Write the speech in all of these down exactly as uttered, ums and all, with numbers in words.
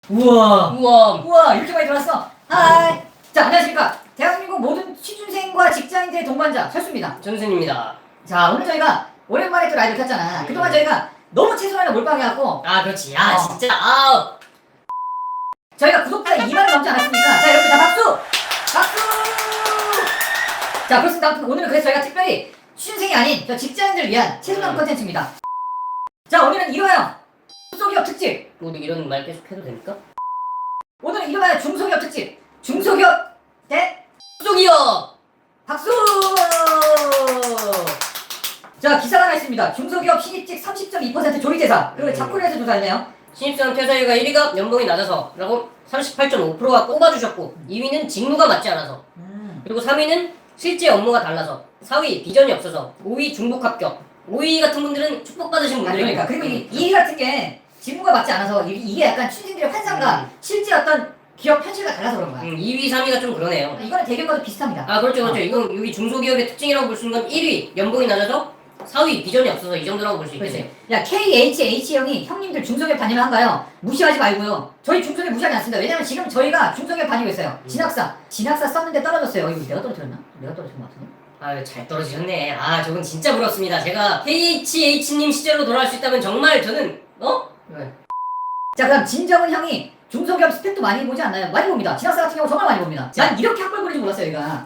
우와 우와. 우와 이렇게 많이 들어왔어. 하이. 자, 안녕하십니까. 대한민국 모든 취준생과 직장인들의 동반자 철수입니다. 전순입니다. 자, 오늘 저희가 오랜만에 또 라이브를 켰잖아. 음. 그동안 저희가 너무 최선을 몰빵해갖고 아 그렇지. 아 어. 진짜. 아 저희가 구독자 이만을 넘지 않았습니까? 자, 여러분 다 박수! 박수! 자, 그렇습니다. 아무튼 오늘은 그래서 저희가 특별히 취준생이 아닌 저 직장인들을 위한 최선한 음. 컨텐츠입니다. 자, 오늘은 이러하여 중소기업 특집. 우리 이런 말 계속 해도 됩니까? 오늘은 이러하여 중소기업 특집. 중소기업 대 중소기업. 박수! 자, 기사가 하나 있습니다. 중소기업 신입직 삼십 점 이 퍼센트 조리대사. 그리고 음. 자쿠리에서 조사했네요. 신입사원 퇴사율가 일 위가 연봉이 낮아서 라고 삼십팔 점 오 퍼센트가 꼽아주셨고 이 위는 직무가 맞지 않아서 음. 그리고 삼 위는 실제 업무가 달라서 사 위 비전이 없어서 오 위 중복 합격 오 위 같은 분들은 축복받으신 아, 분들이고 그러니까. 그리고 이, 이 같은 게 직무가 맞지 않아서 이- 이게 약간 취준생들의 환상과 음. 실제 어떤 기업 현실과 달라서 그런 거야. 음, 이 위, 삼 위가 좀 그러네요. 이거는 대기업과도 비슷합니다. 아 그렇죠 그렇죠. 어. 이건 여기 중소기업의 특징이라고 볼 수 있는 건 일 위 연봉이 낮아서 사 위 비전이 없어서 이 정도라고 볼 수 있겠네요. 그렇지. 야, 케이에이치에이치 형이 형님들 중소기업 다니면 한가요? 무시하지 말고요. 저희 중소기업 무시하지 않습니다. 왜냐면 지금 저희가 중소기업 다니고 있어요. 음. 진학사. 진학사 썼는데 떨어졌어요. 이거 내가 떨어뜨렸나? 내가 떨어진 것 같은데? 아 잘 떨어지셨네. 아 저건 진짜 부럽습니다. 제가 케이에이치에이치님 시절로 돌아갈 수 있다면 정말 저는 어? 왜? 자, 그럼 진정은 형이 중소기업 스펙도 많이 보지 않나요? 많이 봅니다. 진학사 같은 경우 정말 많이 봅니다. 난 이렇게 학벌 보는지 몰랐어요, 얘가.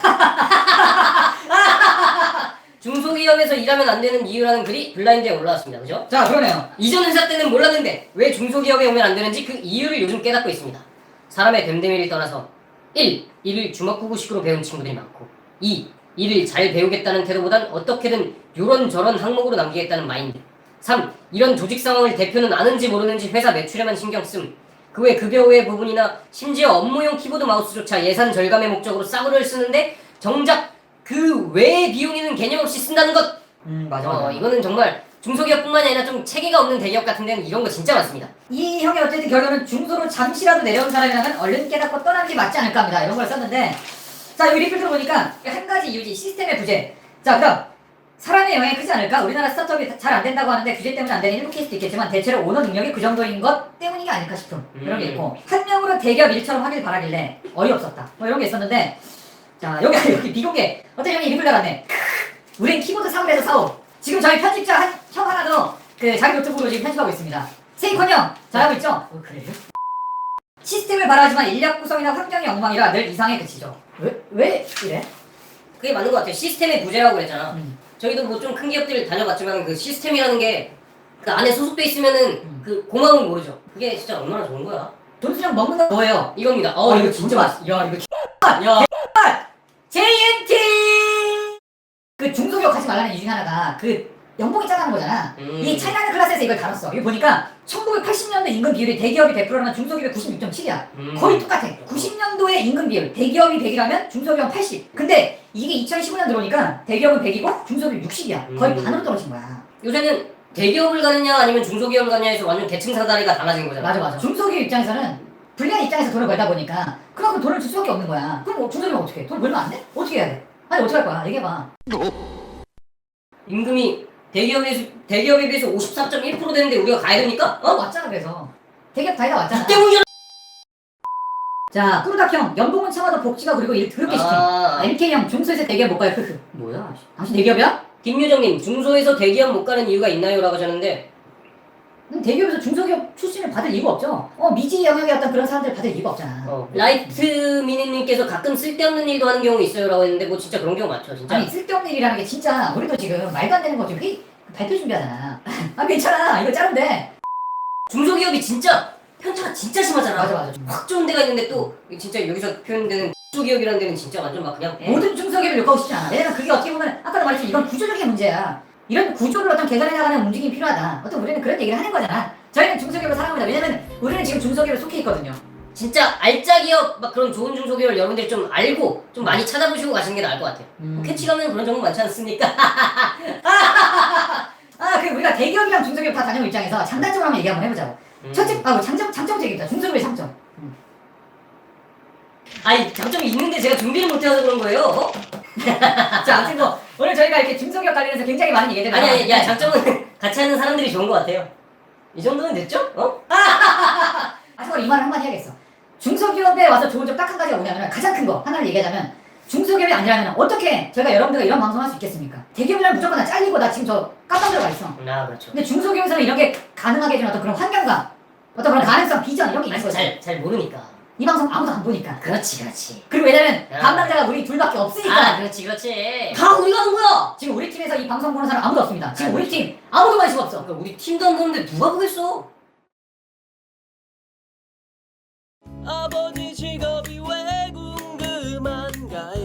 중소기업에서 일하면 안 되는 이유라는 글이 블라인드에 올라왔습니다. 그죠? 자, 그러네요. 이전 회사 때는 몰랐는데 왜 중소기업에 오면 안 되는지 그 이유를 요즘 깨닫고 있습니다. 사람의 됨됨이를 떠나서 일. 일을 주먹구구식으로 배운 친구들이 많고 이. 일을 잘 배우겠다는 태도보단 어떻게든 요런저런 항목으로 남기겠다는 마인드 삼. 이런 조직 상황을 대표는 아는지 모르는지 회사 매출에만 신경씀 그 외 급여 외 부분이나 심지어 업무용 키보드 마우스조차 예산 절감의 목적으로 싸구려를 쓰는데 정작 그 외의 비용에는 개념 없이 쓴다는 것. 음, 맞아, 어, 맞아. 이거는 정말 중소기업뿐만이 아니라 좀 체계가 없는 대기업 같은 데는 이런 거 진짜 많습니다. 이 형의 어쨌든 결론은 중소로 잠시라도 내려온 사람이라면 얼른 깨닫고 떠나는 게 맞지 않을까 합니다. 이런 걸 썼는데, 자, 여기 리플 들어보니까 한 가지 이유지, 시스템의 부재. 자, 그럼 사람의 영향이 크지 않을까? 우리나라 스타트업이 잘 안 된다고 하는데 규제 때문에 안 되는 일부 케이스도 있겠지만 대체로 오너 능력이 그 정도인 것 때문이 게 아닐까 싶은 그런 게 있고, 한 명으로 대기업 일처럼 하길 바라길래 어이없었다. 뭐 이런 게 있었는데, 자, 여기 여기 비공개 어떤 형이 리플 달았네. 우린 키보드 사업에서 사업. 지금 저희 편집자 한, 형 하나도 그 자기 노트북으로 지금 편집하고 있습니다. 세이콘 형 잘하고 있죠? 어, 그래요? 시스템을 바라지만 인력 구성이나 환경이 엉망이라 늘 이상에 그치죠. 왜, 왜 이래? 그게 맞는 것 같아요. 시스템의 부재라고 그랬잖아. 음. 저희도 뭐 좀 큰 기업들 다녀봤지만 그 시스템이라는 게 그 안에 소속돼 있으면은 음. 그 고마움을 모르죠. 그게 진짜 얼마나 좋은 거야. 돈수령 먹는 거 뭐예요? 이겁니다. 어, 어, 이거 이거 진짜 진짜 맛있어. 야, 이거 야, 야, 제이엔티! 그 중소기업 하지 말라는 이유 중에 하나가 그 연봉이 짜다는 거잖아. 음. 이 차이나는 클래스에서 이걸 다뤘어. 이거 보니까 천구백팔십 년도 임금 비율이 대기업이 백 퍼센트라면 중소기업이 구십육 점 칠이야. 음. 거의 똑같아. 구십 년도에 임금 비율, 대기업이 백이라면 중소기업은 팔십. 근데 이게 이천십오 년 들어오니까 대기업은 백이고 중소기업이 육십이야. 거의 음. 반으로 떨어진 거야. 요새는 대기업을 가느냐 아니면 중소기업을 가느냐에서 완전 계층 사다리가 달라진 거잖아. 맞아, 맞아. 중소기업 입장에서는 불리한 입장에서 돈을 벌다 보니까 그만큼 돈을 줄 수밖에 없는 거야. 그럼 뭐 중소기업은 어떻게 해? 돈 벌면 안 돼? 어떻게 해야 돼? 아니, 어떻게 할 거야? 얘기해봐. 임금이 대기업에 대기업에 비해서 오십사 점 일 퍼센트 되는데 우리가 가야 됩니까? 어, 어? 왔잖아, 그래서. 대기업 다니다 왔잖아. 이 때문이잖아. 자, 꾸르닥형, 연봉은 참아도 복지가 그리고 일 더럽게 시킴. 아. 엠케이형, 중소에서 대기업 못 가요. 크크. 뭐야? 당신 대기업이야? 김유정님, 중소에서 대기업 못 가는 이유가 있나요? 라고 하셨는데 음, 대기업에서 중소기업 출신을 받을 이유가 없죠. 어, 미지 영역의 어떤 그런 사람들 받을 이유가 없잖아. 어, 라이트 미니님께서 가끔 쓸데없는 일도 하는 경우 있어요 라고 했는데 뭐 진짜 그런 경우 많죠 진짜. 아니, 쓸데없는 일이라는 게 진짜 우리도 지금 말도 안 되는 거 지금 회의, 발표 준비하잖아. 아, 괜찮아. 이거 자른데. 중소기업이 진짜 편차가 진짜 심하잖아. 맞아, 맞아. 확 좋은 데가 있는데 또 진짜 여기서 표현되는 중소기업이라는 데는 진짜 완전 막 그냥 에? 모든 중소기업을 욕하고 싶지 않아. 왜냐면 그게 어떻게 보면 아까도 말했지만 이건 구조적인 문제야. 이런 구조를 어떤 개선해 나가는 움직임이 필요하다. 어떤 우리는 그런 얘기를 하는 거잖아. 저희는 중소기업을 사랑합니다. 왜냐면 우리는 지금 중소기업에 속해 있거든요. 진짜 알짜 기업 막 그런 좋은 중소기업을 여러분들이 좀 알고 좀 많이 찾아보시고 가시는 게 나을 것 같아요. 음. 캐치 가면 그런 정보 많지 않습니까? 아, 그 우리가 대기업이랑 중소기업 다 다니는 입장에서 장단점을 한번 얘기 한번 해보자고. 음. 첫째, 아, 장점, 장점부터 얘기해보자. 중소기업의 장점. 아니 장점이 있는데 제가 준비를 못해서 그런 거예요. 어? 자, 아무튼 뭐 오늘 저희가 이렇게 중소기업 관련해서 굉장히 많은 얘기를 아니 아니 야 장점은 같이 하는 사람들이 좋은 것 같아요. 이 정도는 됐죠? 어? 마지막으로 이 말을 한마디 해야겠어. 중소기업에 와서 좋은 점 딱 한 가지가 뭐냐면 가장 큰 거 하나를 얘기하자면 중소기업이 아니라면 어떻게 저희가 여러분들과 이런 방송을 할 수 있겠습니까? 대기업이라면 무조건 다 잘리고 나 지금 저 깜빡 들어가 있어. 아 그렇죠. 근데 중소기업에서는 이런 게 가능하게 해주는 어떤 그런 환경과 어떤 그런 가능성, 비전 이런 게 있는 아직 거죠. 잘, 잘 모르니까. 이 방송 아무도 안 보니까. 그렇지 그렇지. 그리고 왜냐면 야. 담당자가 우리 둘밖에 없으니까. 아 그렇지 그렇지. 다 우리가 하는 거야. 지금 우리 팀에서 이 방송 보는 사람 아무도 없습니다. 지금 우리 팀 아무도 관심 없어. 그러니까 우리 팀도 안 보는데 누가 보겠어? 아버지 직업이 왜 궁금한가요?